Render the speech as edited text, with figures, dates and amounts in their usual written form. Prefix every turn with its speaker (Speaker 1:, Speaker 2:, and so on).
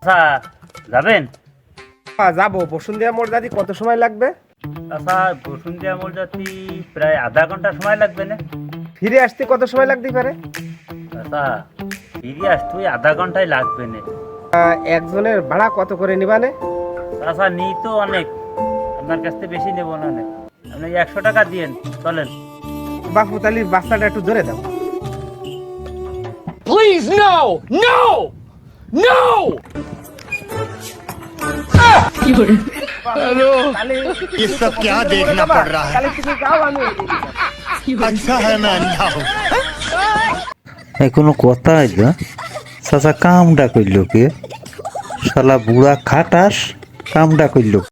Speaker 1: আচ্ছা যাবেন?
Speaker 2: যাবো। বসুন্ধরা মোড় যাতে কত সময় লাগবে?
Speaker 1: আচ্ছা বসুন্ধরা মোড় যাতে প্রায় আধা ঘন্টা সময় লাগবে না?
Speaker 2: ফিরে আসতে কত সময় লাগতে পারে?
Speaker 1: আচ্ছা ফিরে আসতে ওই আধা ঘন্টায় লাগবে না।
Speaker 2: একজনের ভাড়া কত করে নিবানে?
Speaker 1: আচ্ছা নিই তো অনেক, আপনার কাছ থেকে বেশি নেবো না অনেক, আপনি 100 টাকা দিয়েন, চলেন।
Speaker 2: বাপু তাহলে বাচ্চাটা একটু ধরে দাও।
Speaker 3: Please, no! No! No!
Speaker 4: ये सब क्या देखना पड़ रहा है?
Speaker 2: তাহলে তুমি যাও, আমি
Speaker 4: अच्छा है मैं अंधा हूँ।
Speaker 5: এই কোনো কথা আইলা চাচা কামটা কইল কে? শালা বুড়া খাটাস কামটা কইল